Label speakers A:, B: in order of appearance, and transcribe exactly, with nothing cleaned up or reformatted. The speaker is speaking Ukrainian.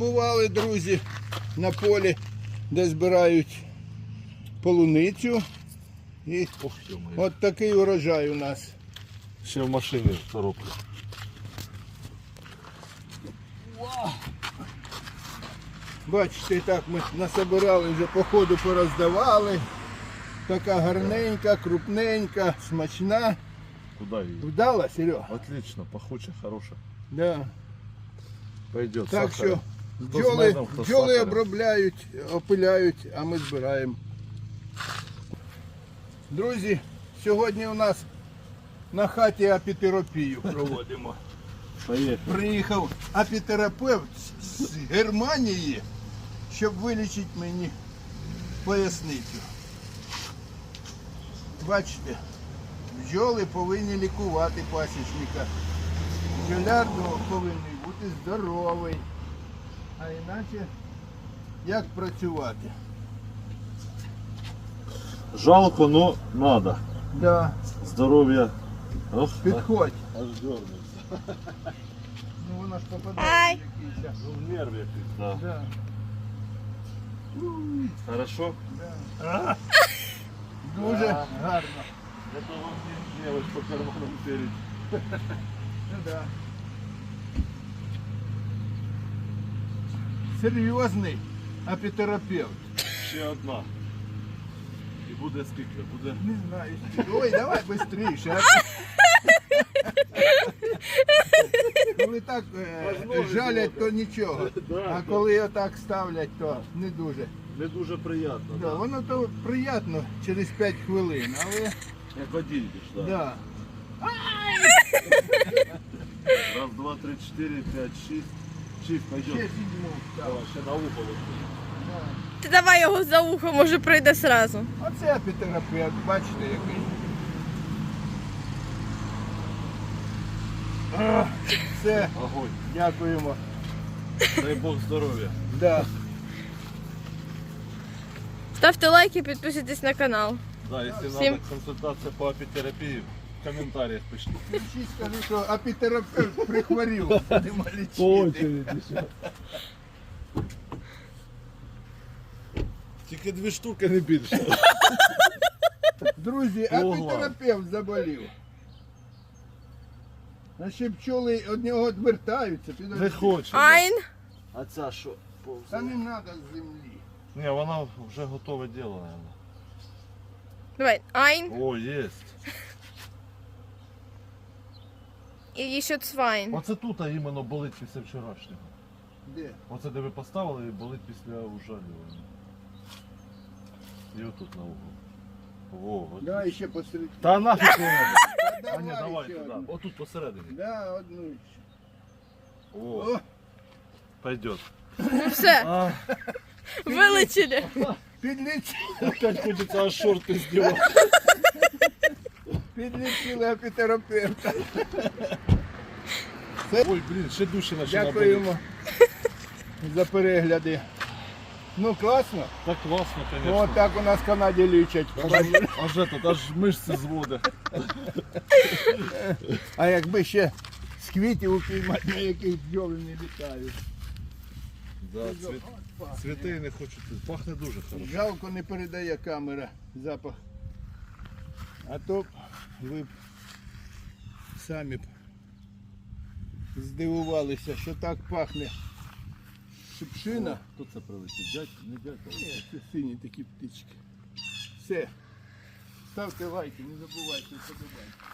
A: побували, друзі, на полі, де збирають полуницю. І от такий урожай у нас.
B: Ще в машині коробка.
A: Бачите, так ми насобирали, вже по ходу пороздавали. Така гарненька, крупненька, смачна.
B: Куда її?
A: Вдала, Серега?
B: Отлично, пахуча, хороша.
A: Да.
B: Пойдет.
A: Так
B: сахар.
A: що
B: Хто з
A: бджоли,
B: медом, хто з
A: бджоли
B: сахаром.
A: обробляють, опиляють, а ми збираємо. Друзі, сьогодні у нас на хаті апітерапію проводимо.
B: Поїхали.
A: Приїхав апітерапевт з Германії, щоб вилічити мені поясницю. Бачите, бджоли повинні лікувати пасічника. Бджоляр повинен бути здоровий. А іначе як працювати?
B: Жалко, но надо.
A: Да,
B: Здоров'я. Ох,
A: підходь.
B: аж дернеться.
A: Ну воно ж попадає в якийсь.
B: Ну, нерв якийсь, да.
A: Да.
B: Хорошо?
A: Да. Дуже
B: Да.
A: гарно.
B: Это вам не мелочь по карманам перед.
A: Ну да. Серйозний апітерапевт.
B: Ще одна. І буде скільки? Буде?
A: Не знаю. Ой, давай швидше. Коли так е, жалять, то нічого. А коли отак ставлять, то не дуже.
B: Не дуже приємно.
A: Да, воно то приємно через п'ять хвилин, але
B: Як один більш, да.
A: да.
B: Раз, два, три, чотири, п'ять, шість. Шість,
A: Ще
B: пойдем.
A: сідьму.
B: Давай, ще на ухо лише.
C: Ти давай його за ухо, може прийде сразу.
A: Оце апітерапевт, бачите який. А, Все,
B: Огонь.
A: дякуємо.
B: Дай Бог здоров'я.
A: Да.
C: Ставте лайки, підписуйтесь на канал.
B: Да, якщо
C: Всім-
B: треба консультація по апітерапії, в коментарях пишіть.
A: Всі скажу, що апітерапевт прихворів, будемо лічити.
B: Тільки дві штуки, не більше.
A: Друзі,
B: Ого.
A: апітерапевт заболів. А ще пчоли від нього відвертаються.
B: Не
A: підожди.
B: хоче.
C: Айн.
B: А ця що?
A: Та не треба з землі.
B: Ні, вона вже готове діло, наверное.
C: Давай. Айн.
B: О, єсть.
C: І ще цвайн.
B: Оце тут а іменно болить після вчорашнього.
A: Де?
B: Оце де ви поставили і болить після ужалювання. І отут на углу. О, от.
A: Да, і ще посередині.
B: Та нафіг не треба.
A: Та
B: А ні, давай
A: ще
B: туди.
A: одну.
B: Отут посередині.
A: Да, одну ще.
B: О,
A: О,
B: пойдет.
C: Ну все,
B: А,
C: вилетіли.
A: підлічили,
B: опять хочеться аж шорти здівати.
A: підлічили апітерапевта.
B: Ой, блін, ще дужче починає боліти.
A: Дякуємо за перегляди. Ну класно.
B: Так класно,
A: Ну,
B: звісно.
A: от так у нас в Канаді лічать.
B: Аж, аж, этот, аж мишці зводить.
A: А якби ще з квітів упіймати, на яких бджоли не літають.
B: Да, цвіт, цвіти не хочу. Пахне дуже хорошо.
A: Жалко, не передає камера запах. А то б ви б самі б здивувалися, що так пахне шипшина.
B: Хто це прилетів? Дядь, не дядь.
A: Ні, це сині такі птички. Все. Ставте лайки, не забувайте, подобайте.